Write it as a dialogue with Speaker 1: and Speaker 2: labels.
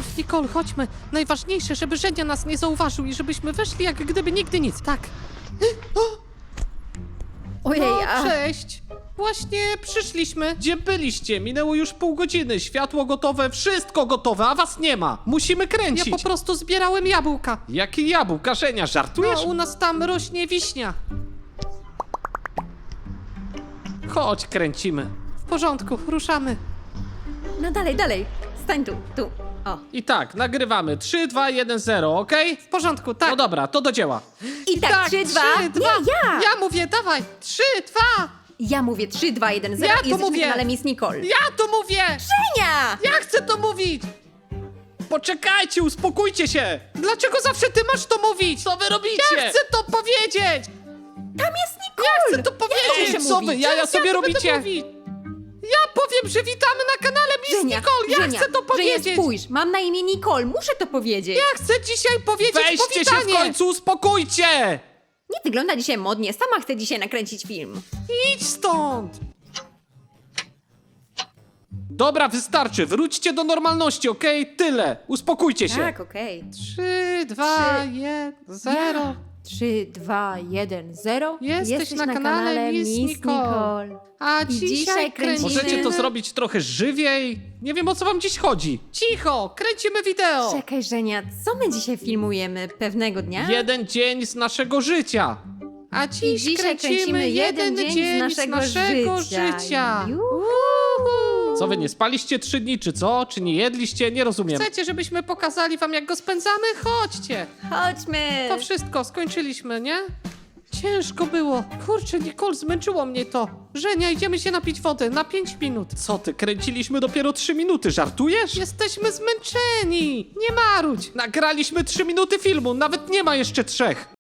Speaker 1: Mów, Nicole, chodźmy. Najważniejsze, żeby Żenia nas nie zauważył i żebyśmy weszli jak gdyby nigdy nic. Tak.
Speaker 2: Ojej,
Speaker 1: No, cześć. Właśnie przyszliśmy.
Speaker 3: Gdzie byliście? Minęło już pół godziny. Światło gotowe, wszystko gotowe, a was nie ma. Musimy
Speaker 1: Ja
Speaker 3: kręcić.
Speaker 1: po prostu zbierałem jabłka.
Speaker 3: Jakie jabłka, Żenia, żartujesz?
Speaker 1: No, u nas tam rośnie wiśnia.
Speaker 3: Chodź, kręcimy.
Speaker 1: W porządku, ruszamy.
Speaker 2: no dalej. Stań tu. O.
Speaker 3: I tak, nagrywamy. 3, 2, 1, 0, okej?
Speaker 1: W porządku, tak.
Speaker 3: No dobra, to do dzieła.
Speaker 2: I tak, 3, 2.
Speaker 1: 3, 2.
Speaker 2: Nie, ja!
Speaker 1: Ja mówię, dawaj. 3, 2.
Speaker 2: Ja mówię 3, 2, 1, 0
Speaker 1: Ja
Speaker 2: i
Speaker 1: to
Speaker 2: jesteśmy
Speaker 1: mówię.
Speaker 2: na kanale Miss Nicole.
Speaker 1: Ja to mówię.
Speaker 2: Żenia!
Speaker 1: Ja chcę to mówić.
Speaker 3: Poczekajcie, uspokójcie się!
Speaker 1: Dlaczego zawsze ty masz to mówić?
Speaker 3: Co wy robicie?
Speaker 1: Ja chcę to powiedzieć.
Speaker 2: Tam jest Nicole!
Speaker 1: Ja chcę to powiedzieć.
Speaker 2: muszę
Speaker 3: Co wy,
Speaker 2: mówić.
Speaker 3: jaja sobie
Speaker 1: Ja to będę
Speaker 3: robicie?
Speaker 1: mówić. Ja powiem, że witamy na kanale Miss
Speaker 2: Żenia,
Speaker 1: Nicole. Ja
Speaker 2: Żenia,
Speaker 1: chcę to powiedzieć.
Speaker 2: Żenia, spójrz, mam na imię Nicole, muszę to powiedzieć.
Speaker 1: Ja chcę dzisiaj powiedzieć
Speaker 3: Weźcie się
Speaker 1: powitanie.
Speaker 3: w końcu, uspokójcie!
Speaker 2: Nie wygląda dzisiaj modnie, sama chcę dzisiaj nakręcić film.
Speaker 1: Idź stąd.
Speaker 3: Dobra, wystarczy, wróćcie do normalności, okej? Tyle, uspokójcie się.
Speaker 2: Tak, okej.
Speaker 1: 3, 2, 1, 0.
Speaker 2: 3, 2, 1, 0.
Speaker 1: Jesteś na kanale Miss Nicole. A
Speaker 2: I
Speaker 1: dzisiaj
Speaker 2: dzisiaj
Speaker 1: kręcimy...
Speaker 3: Możecie to zrobić trochę żywiej? Nie wiem, o co wam dziś chodzi.
Speaker 1: Cicho, kręcimy wideo.
Speaker 2: Czekaj, Żenia, co my dzisiaj filmujemy pewnego dnia?
Speaker 3: Jeden dzień z naszego życia.
Speaker 1: A
Speaker 2: I
Speaker 1: dziś
Speaker 2: dzisiaj
Speaker 1: kręcimy jeden dzień z naszego życia.
Speaker 2: Juhu.
Speaker 1: Uhu.
Speaker 3: Co wy, nie spaliście 3 dni, czy co? Czy nie jedliście? Nie rozumiem.
Speaker 1: Chcecie, żebyśmy pokazali wam, jak go spędzamy? Chodźcie.
Speaker 2: Chodźmy!
Speaker 1: To wszystko, skończyliśmy, nie? Ciężko było. Kurczę, Nicole, zmęczyło mnie to. Żenia, idziemy się napić wody na 5 minut.
Speaker 3: Co ty, kręciliśmy dopiero 3 minuty, żartujesz?
Speaker 1: Jesteśmy zmęczeni. Nie marudź.
Speaker 3: Nagraliśmy 3 minuty filmu, nawet nie ma jeszcze 3.